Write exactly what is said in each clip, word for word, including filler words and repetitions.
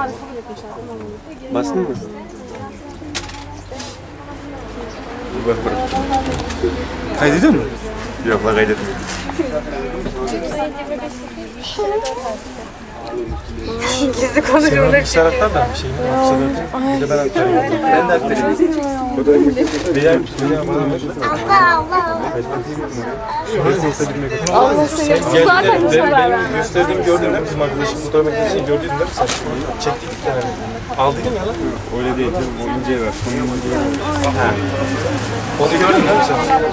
Bastın mı? Bak bırak. Kaydediyor mu? Yok la kaydetmiyor. Gizli konuşmalar. Bir taraftan da bir şey mi? Bir de ben aktarayım. Ben de aktarayım. Birer birer bana ver. Allah seni zaten hiç haber vermez. Gösterdiğimi gördün değil mi? Bizim arkadaşım fotoğraf makinesini gördün değil mi sen? Çektik bir tane. Aldın mı ya lan? Öyle değil canım. O inceye ver. Onun inceye ver. Ha. Onu gördün değil mi sen?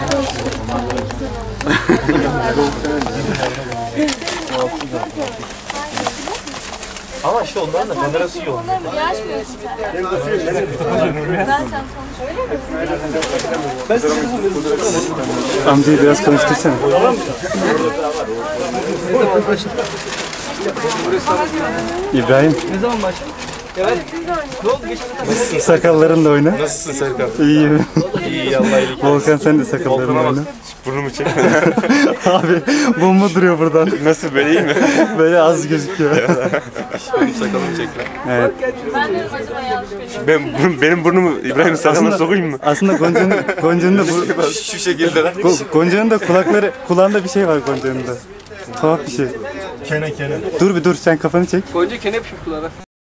Ama işte onların da kamerası iyi olmuyor. Niye açmıyorsun sen? Amcayı biraz konuştursana. İbrahim. Ne zaman başladın? Evet. Ne oldu? Geçen Sakallarınla oyna. Nasılsın Serkan? İyiyim. İyi Allah iyilik. Volkan sen de sakallarınla oyna. Burnumu çek. Abi bomba duruyor buradan. Nasıl böyle iyi mi? Böyle az gözüküyor. Benim sakalımı çek lan. Evet. Ben de acaba yanlış biliyorum. Ben, benim burnumu İbrahim'in sakalına sokayım mı? Aslında Gonca'nın Gonca'nın da bu Şu, şu şekilde lan. Go- Gonca'nın da kulakları kulağında bir şey var Gonca'nın da. Tuhaf bir şey. Kene kene. Dur bir dur sen kafanı çek. Gonca kene yapışır kulağına.